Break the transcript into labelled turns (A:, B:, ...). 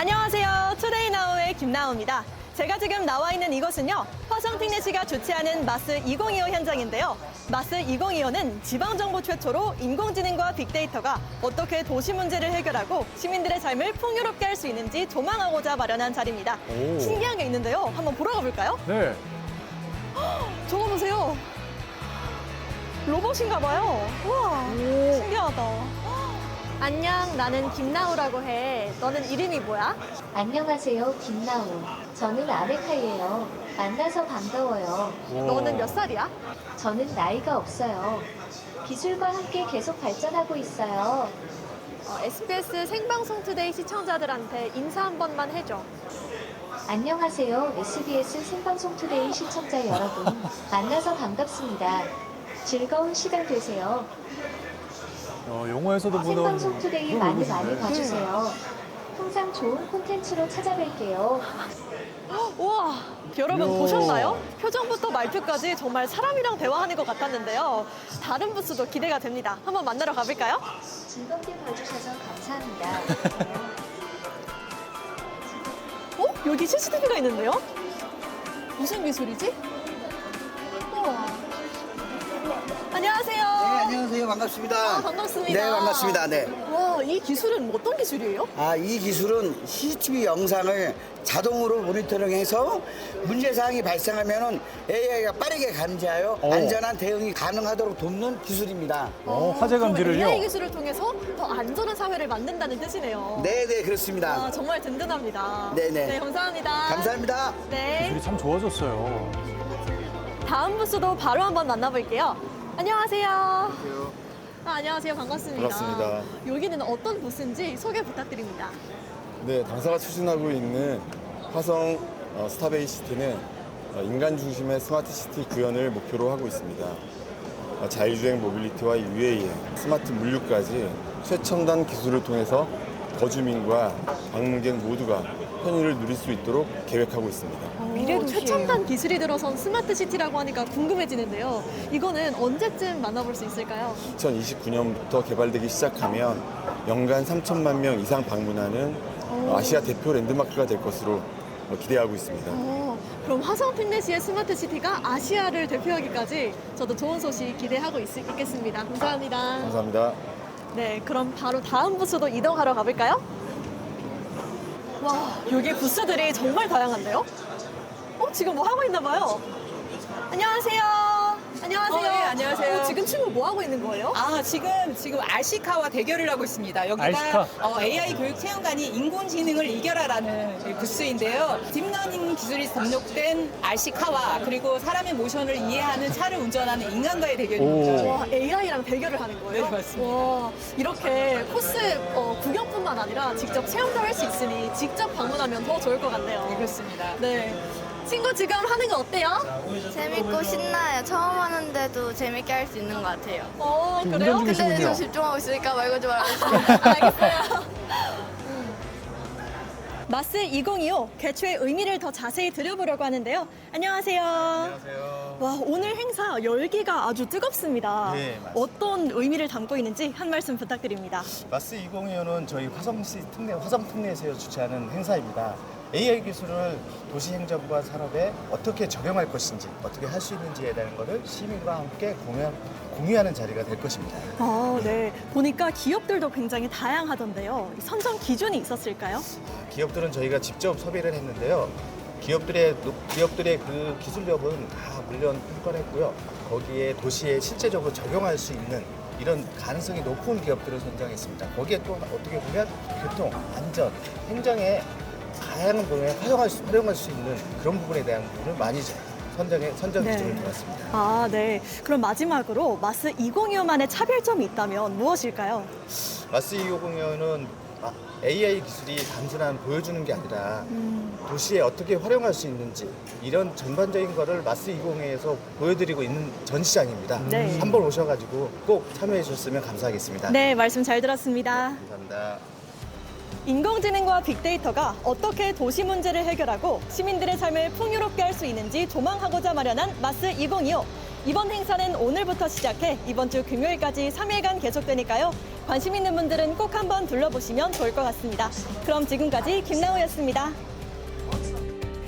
A: 안녕하세요. 투데이나우의 김나우입니다. 제가 지금 나와 있는 이곳은요, 화성특례시가 주최하는 마스 2025 현장인데요. 마스 2025는 지방정부 최초로 인공지능과 빅데이터가 어떻게 도시 문제를 해결하고 시민들의 삶을 풍요롭게 할 수 있는지 조망하고자 마련한 자리입니다.
B: 오.
A: 신기한 게 있는데요. 한번 보러 가볼까요?
B: 네.
A: 저거 보세요. 로봇인가 봐요. 우와, 신기하다. 안녕, 나는 김나우라고 해. 너는 이름이 뭐야?
C: 안녕하세요, 김나우. 저는 아메카예요. 만나서 반가워요.
A: 너는 몇 살이야?
C: 저는 나이가 없어요. 기술과 함께 계속 발전하고 있어요.
A: SBS 생방송 투데이 시청자들한테 인사 한 번만 해줘.
C: 안녕하세요, SBS 생방송 투데이 시청자 여러분. 만나서 반갑습니다. 즐거운 시간 되세요.
B: 영화에서도 보던
C: 생방송 투데이 많이 봐주세요. 항상 좋은 콘텐츠로 찾아뵐게요.
A: 우와, 여러분
B: 이야.
A: 보셨나요? 표정부터 말투까지 정말 사람이랑 대화하는 것 같았는데요. 다른 부스도 기대가 됩니다. 한번 만나러 가볼까요?
C: 즐겁게 봐주셔서 감사합니다.
A: 여기 CCTV가 있는데요? 무슨 기술이지? 우와. 안녕하세요.
D: 네, 안녕하세요. 반갑습니다.
A: 반갑습니다.
D: 네, 반갑습니다. 네.
A: 와, 이 기술은 어떤 기술이에요?
D: 이 기술은 CCTV 영상을 자동으로 모니터링해서 문제사항이 발생하면 AI가 빠르게 감지하여 안전한 대응이 가능하도록 돕는 기술입니다.
B: 화재
A: 그럼
B: 감지를요?
A: AI 기술을 통해서 더 안전한 사회를 만든다는 뜻이네요.
D: 네, 네, 그렇습니다.
A: 아, 정말 든든합니다.
D: 네네.
A: 네, 감사합니다.
D: 감사합니다.
A: 네.
B: 기술이 참 좋아졌어요.
A: 다음 부스도 바로 한번 만나볼게요. 안녕하세요. 안녕하세요. 반갑습니다.
E: 반갑습니다.
A: 여기는 어떤 부스인지 소개 부탁드립니다.
E: 네, 당사가 추진하고 있는 화성 스타베이 시티는 인간 중심의 스마트 시티 구현을 목표로 하고 있습니다. 자율주행 모빌리티와 UAM, 스마트 물류까지 최첨단 기술을 통해서 거주민과 방문객 모두가 편의를 누릴 수 있도록 계획하고 있습니다.
A: 최첨단 기술이 들어선 스마트 시티라고 하니까 궁금해지는데요. 이거는 언제쯤 만나볼 수 있을까요?
E: 2029년부터 개발되기 시작하면 연간 3천만 명 이상 방문하는 아시아 대표 랜드마크가 될 것으로 기대하고 있습니다.
A: 그럼 화성 핀넷시의 스마트 시티가 아시아를 대표하기까지 저도 좋은 소식 기대하고 있겠습니다. 감사합니다.
E: 감사합니다.
A: 네, 그럼 바로 다음 부스도 이동하러 가볼까요? 와, 여기 부스들이 정말 다양한데요? 지금 뭐 하고 있나 봐요. 안녕하세요. 안녕하세요.
F: 네, 안녕하세요.
A: 지금 친구 뭐 하고 있는 거예요?
F: 지금 RC카와 대결을 하고 있습니다. 여기가
B: RC카?
F: AI 교육 체험관이 인공지능을 이겨라라는 부스인데요. 딥러닝 기술이 접목된 RC카와 그리고 사람의 모션을 이해하는 차를 운전하는 인간과의 대결입니다.
A: 와, AI랑 대결을 하는 거예요?
F: 네, 맞습니다.
A: 와, 이렇게 코스 구경뿐만 아니라 직접 체험도 할 수 있으니 직접 방문하면 더 좋을 것 같네요.
F: 네, 그렇습니다.
A: 네. 친구 지금 하는 거 어때요?
G: 재밌고 신나요. 처음 하는데도 재밌게 할 수 있는 것 같아요.
B: 지금
A: 그래요?
B: 운전
G: 근데
B: 중이시군요.
G: 저 집중하고 있으니까 말 걸지 말아주세요.
A: 알겠어요. 마스 2025 개최의 의미를 더 자세히 들여보려고 하는데요. 안녕하세요.
H: 안녕하세요.
A: 와, 오늘 행사 열기가 아주 뜨겁습니다.
H: 네, 맞습니다.
A: 어떤 의미를 담고 있는지 한 말씀 부탁드립니다.
H: 마스 2025는 저희 화성 특례에서 주최하는 행사입니다. AI 기술을 도시 행정과 산업에 어떻게 적용할 것인지, 어떻게 할 수 있는지에 대한 것을 시민과 함께 공유하는 자리가 될 것입니다.
A: 네. 보니까 기업들도 굉장히 다양하던데요. 선정 기준이 있었을까요?
H: 기업들은 저희가 직접 섭외를 했는데요. 기업들의 그 기술력은 다 물론 평가했고요. 거기에 도시에 실제적으로 적용할 수 있는 이런 가능성이 높은 기업들을 선정했습니다. 거기에 또 어떻게 보면 교통, 안전, 행정에 다양한 부분에 활용할 수 있는 그런 부분에 대한 부분을 많이 선정 기준을 두었습니다.
A: 네. 그럼 마지막으로 마스 2025만의 차별점이 있다면 무엇일까요?
H: 마스 2025는 AI 기술이 단순한 보여주는 게 아니라 도시에 어떻게 활용할 수 있는지 이런 전반적인 거를 마스 2025에서 보여드리고 있는 전시장입니다.
A: 네.
H: 한번 오셔가지고 꼭 참여해 주셨으면 감사하겠습니다.
A: 네, 말씀 잘 들었습니다.
H: 감사합니다.
A: 인공지능과 빅데이터가 어떻게 도시 문제를 해결하고 시민들의 삶을 풍요롭게 할 수 있는지 조망하고자 마련한 마스 2025. 이번 행사는 오늘부터 시작해 이번 주 금요일까지 3일간 계속되니까요. 관심 있는 분들은 꼭 한번 둘러보시면 좋을 것 같습니다. 그럼 지금까지 김나우였습니다.